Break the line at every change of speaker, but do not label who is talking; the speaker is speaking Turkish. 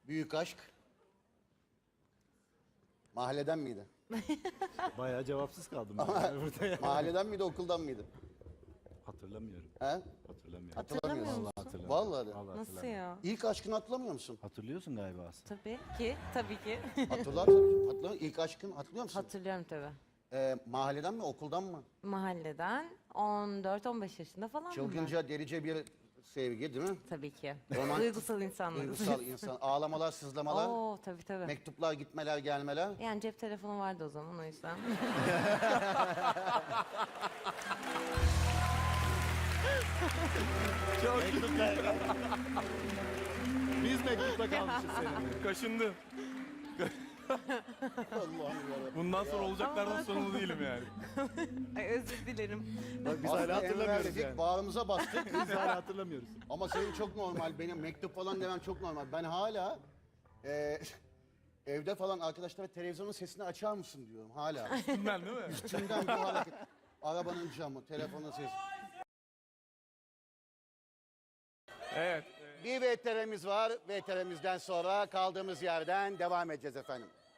Büyük aşk. Mahalleden miydi?
Bayağı cevapsız kaldım ben yani burada ya.
Mahalleden miydi, okuldan mıydı?
Hatırlamıyorum.
He?
Hatırlamıyorum.
Hatırlamıyorsun.
Vallahi hatırlamıyorum.
Vallahi de.
Vallahi
Nasıl
hatırlamıyorum.
ya?
İlk aşkını hatırlamıyor musun?
Hatırlıyorsun galiba aslında.
Tabii ki. Tabii ki.
Hatırlar tabii. Hatırlamıyor. İlk aşkını hatırlıyor musun?
Hatırlıyorum tabii.
Mahalleden mi, okuldan mı?
Mahalleden 14-15 yaşında falan mı?
Çılgınca, delice bir sevgi değil mi?
Tabii ki.
Romantik-
Duygusal insanlarız.
Duygusal insan. Ağlamalar, sızlamalar,
Oo tabii tabii.
mektuplar, gitmeler, gelmeler.
Yani cep telefonu vardı o zaman o yüzden.
Çok Biz mektupta kalmışız seninle.
Kaşındım.
Allah'ım yarabbim.
Bundan sonra olacaklardan sorumlu değilim yani.
Ay özür dilerim.
Bak biz
Aslında
hala hatırlamıyoruz
enverledik,
yani.
bağrımıza bastık.
Biz hala hatırlamıyoruz.
Ama senin çok normal, benim mektup falan demem çok normal. Ben hala evde falan arkadaşlara televizyonun sesini açar mısın diyorum hala.
Ben değil mi?
Üstünden bir hareket. Arabanın camı, telefonun sesi.
Evet.
Bir VTR'miz var. VTR'mizden sonra kaldığımız yerden devam edeceğiz efendim.